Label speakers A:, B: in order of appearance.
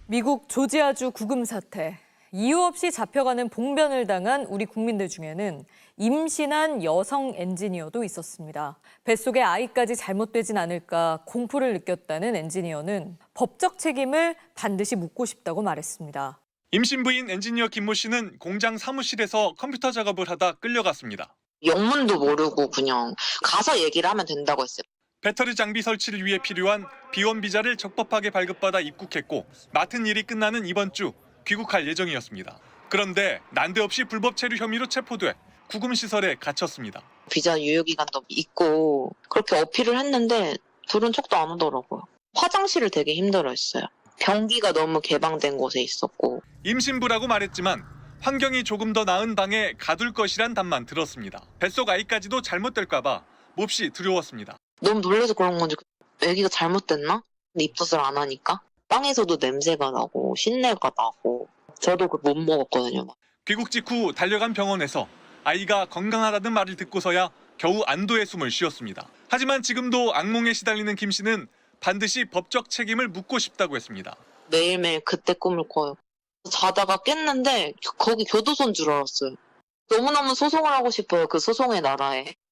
A: 미국 조지아주 구금 사태. 이유 없이 잡혀가는 봉변을 당한 우리 국민들 중에는 임신한 여성 엔지니어도 있었습니다. 뱃속에 아이까지 잘못되진 않을까 공포를 느꼈다는 엔지니어는 법적 책임을 반드시 묻고 싶다고 말했습니다.
B: 임신부인 엔지니어 김모 씨는 공장 사무실에서 컴퓨터 작업을 하다 끌려갔습니다.
C: 영문도 모르고 그냥 가서 얘기를 하면 된다고 했어요.
B: 배터리 장비 설치를 위해 필요한 B1 비자를 적법하게 발급받아 입국했고 맡은 일이 끝나는 이번 주 귀국할 예정이었습니다. 그런데 난데없이 불법 체류 혐의로 체포돼 구금시설에 갇혔습니다.
C: 비자 유효기간도 있고 그렇게 어필을 했는데 부른 척도 안 하더라고요. 화장실을 되게 힘들어했어요. 변기가 너무 개방된 곳에 있었고.
B: 임신부라고 말했지만 환경이 조금 더 나은 방에 가둘 것이란 답만 들었습니다. 뱃속 아이까지도 잘못될까 봐 몹시 두려웠습니다.
C: 너무 놀라서 그런 건지 애기가 잘못됐나? 근데 입덧을 안 하니까 빵에서도 냄새가 나고 신내가 나고 저도 못 먹었거든요.
B: 귀국 직후 달려간 병원에서 아이가 건강하다는 말을 듣고서야 겨우 안도의 숨을 쉬었습니다. 하지만 지금도 악몽에 시달리는 김 씨는 반드시 법적 책임을 묻고 싶다고 했습니다.
C: 매일매일 그때 꿈을 꿔요. 자다가 깼는데 거기 교도소인 줄 알았어요. 너무너무 소송을 하고 싶어요. 그 소송의 나라에.